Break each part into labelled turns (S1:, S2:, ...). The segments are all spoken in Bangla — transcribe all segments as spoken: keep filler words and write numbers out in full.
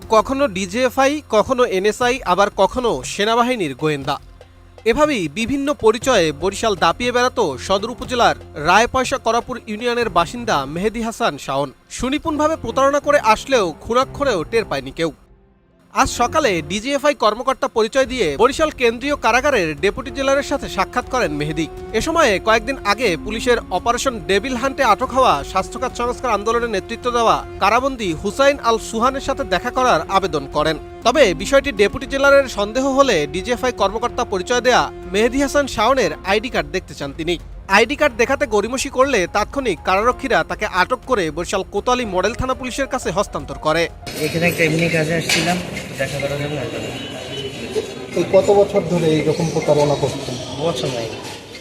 S1: কখনো ডিজিএফআই, কখনো এনএসআই, আবার কখনো সেনাবাহিনীর গোয়েন্দা। এভাবেই বিভিন্ন পরিচয়ে বরিশাল দাপিয়ে বেড়াতো সদর উপজেলার রায়পয়সা করাপুর ইউনিয়নের বাসিন্দা মেহেদী হাসান শাওন। সুনিপুণভাবে প্রতারণা করে আসলেও খুনাক্ষরেও টের পায়নি কেউ। আজ সকালে ডিজিএফআই কর্মকর্তা পরিচয় দিয়ে বরিশাল কেন্দ্রীয় কারাগারের ডেপুটি জেলারের সাথে সাক্ষাৎ করেন মেহেদী। এ সময়ে কয়েকদিন আগে পুলিশের অপারেশন ডেভিল হান্টে আটক হওয়া স্বাস্থ্যখাত সংস্কার আন্দোলনের নেতৃত্ব দেওয়া কারাবন্দী হুসাইন আল সুহানের সাথে দেখা করার আবেদন করেন। তবে বিষয়টি ডেপুটি জেলারের সন্দেহ হলে ডিজিএফআই কর্মকর্তা পরিচয় দেয়া মেহেদী হাসান শাওনের আইডি কার্ড দেখতে চান তিনি। আইডি কার্ড দেখাতে গড়িমসি করলে তাৎক্ষণিক কারারক্ষীরা তাকে আটক করে বরিশাল কোতোয়ালি মডেল থানা পুলিশের কাছে হস্তান্তর করে।
S2: এখানে একটা এমনি কাজে আসছিলাম, দেখা করার জন্য।
S3: এই কত বছর ধরে এইরকম প্রতারণা করছেন?
S2: বছর নাই।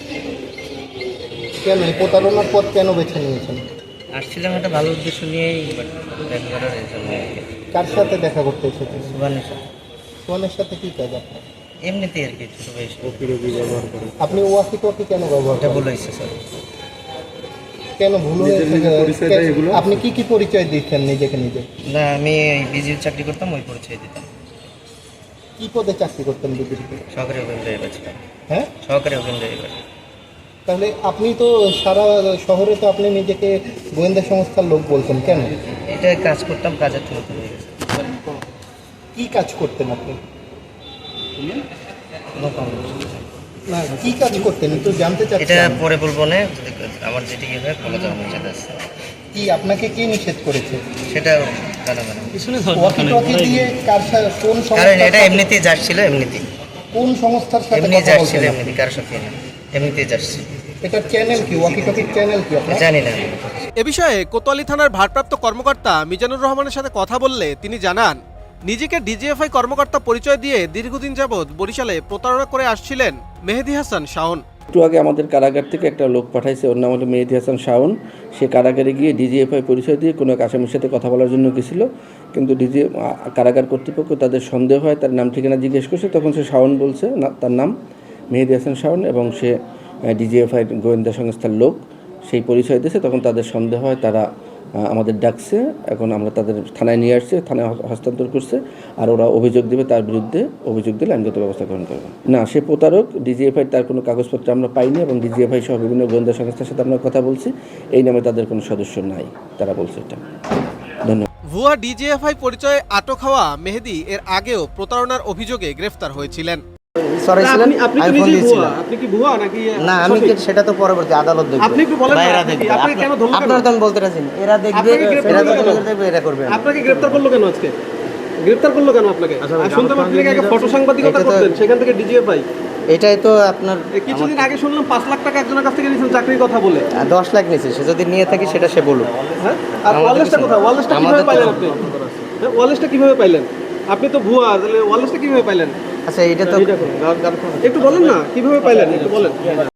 S3: কেন এই প্রতারণার পথ কেন বেছে নিয়েছেন?
S2: আসছিলাম একটা ভালো উদ্দেশ্য নিয়েই, দেখা করার জন্য।
S3: কার সাথে দেখা করতে এসেছেন?
S2: সুবানের সাথে।
S3: সুবানের সাথে কি কাজ আপনার?
S2: এমনিতেই আর কি, ছোটো বয়স।
S3: আপনি ওয়াকি টকি কেন ব্যবহার
S2: এটা
S3: করেন?
S2: ভুল হয়েছে স্যার।
S3: কেন ভুল হয়েছে? আপনি কি কি পরিচয় দিচ্ছেন নিজেকে নিজে?
S2: না, আমি বিজির চাকরি করতাম, ওই পরিচয় দিতাম।
S3: কি পদে চাকরি করতেন বিদেশে?
S2: সহকারী ওপেন ড্রাইভার ছিলাম।
S3: হ্যাঁ,
S2: সহকারী ওপেন ড্রাইভার।
S3: তাহলে আপনি তো সারা শহরে তো আপনি নিজেকে গোয়েন্দা সংস্থার লোক বলছেন কেন?
S2: এটা কাজ করতাম, কাজের থেকে হয়ে গেছে।
S3: কি কাজ করতেন আপনি?
S2: কোনো কারণ নেই।
S3: না, কি কাজ করতেন একটু জানতে
S2: এটা
S3: চাচ্ছি।
S2: পরে বলবো না, আমার যেটি ইয়ে হয় বলে যাওয়ার নিষেধ আছে।
S3: কি আপনাকে কে নিষেধ করেছে?
S2: সেটা জানা জানা
S3: ওয়াকি টকি দিয়ে কার সাথে, কোন
S2: কারণ
S3: সংস্থার
S2: এটা
S3: সাথে-
S2: এমনিতেই যাচ্ছিল, এমনিতেই
S3: কোন সংস্থার সাথে
S2: এমনি
S3: কথা
S2: যাচ্ছিল,
S3: বলছেন?
S2: এমনিতে কারোর সাথে না, এমনিতেই যাচ্ছি।
S3: এটা চ্যানেল কি? ওয়াকি টকির চ্যানেল কি আপনার?
S2: জানি না।
S1: এ বিষয়ে কোতোয়ালি থানার ভারপ্রাপ্ত কর্মকর্তা মিজানুর রহমানের সাথে কথা বললে তিনি জানান, নিজেকে ডিজিএফআই কর্মকর্তা পরিচয় দিয়ে দীর্ঘদিন যাবৎ বরিশালে প্রতারণা করে আসছিলেন মেহেদী হাসান শাওন।
S4: একটু আগে আমাদের কারাগার থেকে একটা লোক পাঠাইছে, ওর নাম হলো মেহেদী হাসান শাওন। সে কারাগারে গিয়ে ডিজিএফআই পরিচয় দিয়ে কোনো এক আসামির সাথে কথা বলার জন্য গেছিল, কিন্তু ডিজি কারাগার কর্তৃপক্ষ তাদের সন্দেহ হয়, তার নাম ঠিকানা জিজ্ঞেস করছে, তখন সে শাওন বলছে, না তার নাম মেহেদী হাসান শাওন এবং সে ডিজিএফআই গোয়েন্দা সংস্থার লোক, সেই পরিচয় দিয়েছে। তখন তাদের সন্দেহ হয়, তারা আমাদের ডাকছে, এখন আমরা তাদের থানায় নিয়ে আসছে, থানায় হস্তান্তর করছে, আর ওরা অভিযোগ দেবে, তার বিরুদ্ধে অভিযোগ দিলে আইনগত ব্যবস্থা গ্রহণ করবে। না, সে প্রতারক। ডিজিএফআই তার কোনো কাগজপত্র আমরা পাইনি এবং ডিজিএফআই সহ বিভিন্ন গোয়েন্দা সংস্থার সাথে আমরা কথা বলছি, এই নামে তাদের কোনো সদস্য নাই, তারা বলছে এটা। ধন্যবাদ।
S1: ভুয়া ডিজিএফআই পরিচয়ে আটক হওয়া মেহেদী এর আগেও প্রতারণার অভিযোগে গ্রেফতার হয়েছিলেন।
S2: সরি ছিলেন,
S5: আপনি
S2: আমি
S5: কি
S2: ফোন
S5: নিজেই ভুয়া?
S2: দিয়েছিলাম।
S5: আপনি কি ভুয়া নাকি?
S2: না, আমি কি- সেটা তো পরবর্তী আদালত দেখবে।
S5: আপনি একটু বলেন না,
S2: বা এরা
S5: আপনি কি-
S2: দেখবে।
S5: আপনি কেন ধরলো কেন?
S2: আপনারা তো আমি বলতে রাজি না। এরা দেখবে,
S5: আপনাকে গ্রেফতার
S2: এরা
S5: করলো
S2: তো
S5: কেন?
S2: দেখবে, এরা করবে না।
S5: আপনাকে গ্রেফতার করলো কেন আজকে? গ্রেফতার করলো কেন আপনাকে? আর শুনতে পাচ্ছি নাকি আগে ফটো সাংবাদিকতা
S2: এটা তো-
S5: করতেন, সেখান থেকে ডিজিএফআই।
S2: এটাই তো আপনার
S5: কিছুদিন আগে শুনলাম পাঁচ লাখ টাকা একজনের কাছ থেকে নিয়েছেন চাকরির কথা বলে।
S2: আহ, দশ লাখ নিয়েছে, সে যদি নিয়ে থাকে সেটা সে বলুক।
S5: হ্যাঁ, আর
S2: আমাদের
S5: ওয়ালেসটা
S2: কিছু-
S5: কোথায়? ওয়ালেসটা কিভাবে
S2: আমাদের তো-
S5: পাইলেন আপনি? হ্যাঁ, ওয়ালেসটা কিভাবে পাইলেন? আপনি তো ভুয়া, তাহলে ওয়ালেসটা কিভাবে পাইলেন?
S2: আচ্ছা, এটা তো
S5: একটু বলেন না কিভাবে পাইলেন, একটু বলেন।